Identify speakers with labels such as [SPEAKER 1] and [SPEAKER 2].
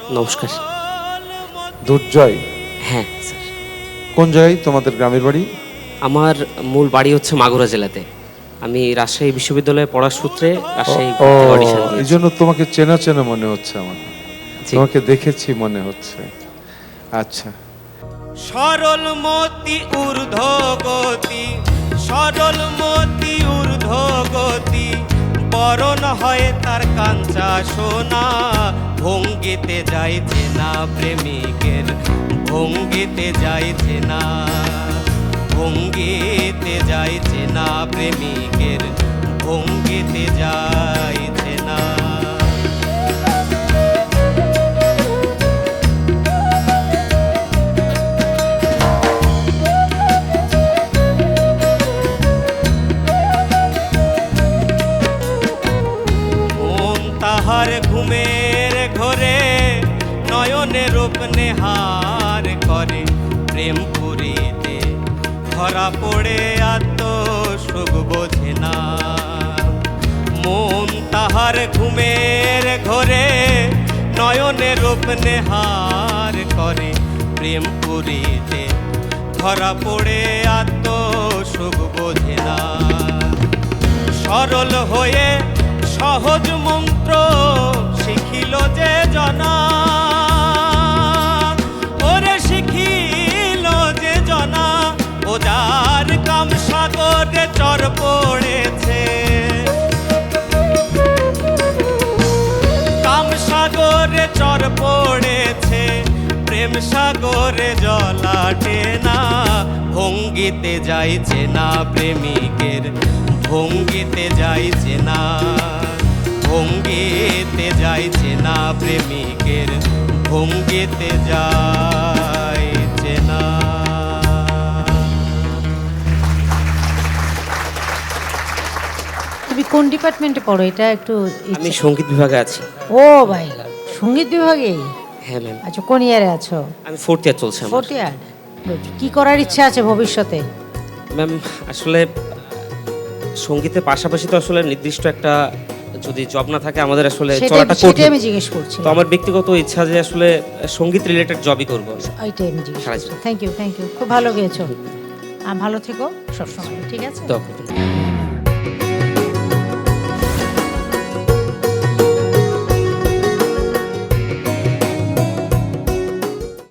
[SPEAKER 1] নমস্কার।
[SPEAKER 2] দুর্জয়,
[SPEAKER 1] হ্যাঁ স্যার,
[SPEAKER 2] কোন জায়গায় তোমাদের গ্রামের বাড়ি?
[SPEAKER 1] আমার মূল বাড়ি হচ্ছে মাগুরা জেলাতে। আমি রাজশাহী বিশ্ববিদ্যালয়ে পড়ার সূত্রে রাজশাহী
[SPEAKER 2] ও,
[SPEAKER 1] অডিশন
[SPEAKER 2] এই
[SPEAKER 1] দিয়েছি।
[SPEAKER 2] জন্য তোমাকে চেনা চেনা মনে হচ্ছে আমার।
[SPEAKER 1] জি।
[SPEAKER 2] তোমাকে দেখেছি মনে হচ্ছে। আচ্ছা,
[SPEAKER 3] সরল মতি ঊর্ধ্বগতি, সরল মতি ঊর্ধ্বগতি, বরণ হয় তার কাঞ্চা সোনা। ভঙ্গিতে যাইছে না প্রেমিকের, ভঙ্গিতে যাইছে না, ভঙ্গিতে যাইছে না প্রেমিকের, ভঙ্গিতে যাইছে না। মন তাহার ঘুমের ঘরে নয়নে রূপ নেহার করে, প্রেম পুরীতে ধরা পড়ে আত্ম সুখ বোঝে না। মন তাহার ঘুমের ঘরে নয়নে রূপ নেহার করে, প্রেম পুরীতে ধরা পড়ে আত্ম সুখ বোঝে না। সরল হয়ে সহজ মন্ত্র শিখিল যে জনা, ওরে শিখিল যে জনা, ও যার কাম সাগরে চর পড়েছে, কাম সাগরে চর পড়েছে, প্রেম সাগরে জলাটে না। ভঙ্গিতে যাইছে না প্রেমিকের, ভঙ্গিতে যাইছে না, ভঙ্গিতে যাইছে না প্রেমিকের, ভঙ্গিতে যাইছে না।
[SPEAKER 4] তুমি কোন ডিপার্টমেন্টে পড়ো এটা একটু
[SPEAKER 1] আমি সঙ্গীত বিভাগে আছি।
[SPEAKER 4] ও ভাই, সঙ্গীত বিভাগে?
[SPEAKER 1] হ্যাঁ ম্যাম,
[SPEAKER 4] আচ্ছা, কোন ইয়ারে আছো?
[SPEAKER 1] আমি 4th ইয়ার চলছে আমার।
[SPEAKER 4] 4th ইয়ার। কি করার ইচ্ছা আছে ভবিষ্যতে?
[SPEAKER 1] ম্যাম আসলে সঙ্গীতের পাশাপাশি তো আসলে নির্দিষ্ট একটা যদি জব না থাকে আমাদের আসলে চলাটা
[SPEAKER 4] সেটাই
[SPEAKER 1] কঠিন।
[SPEAKER 4] আমি জিজ্ঞেস করছি।
[SPEAKER 1] তো আমার ব্যক্তিগত ইচ্ছা যে আসলে সঙ্গীত রিলেটেড জবই করবো।
[SPEAKER 4] এইটাই আমি জিজ্ঞেস
[SPEAKER 1] সারা
[SPEAKER 4] করছি।
[SPEAKER 1] জীবন।
[SPEAKER 4] থ্যাংক ইউ, খুব ভালো গেয়েছো। ভালো থেকো সবসময়, ঠিক আছে?
[SPEAKER 1] তো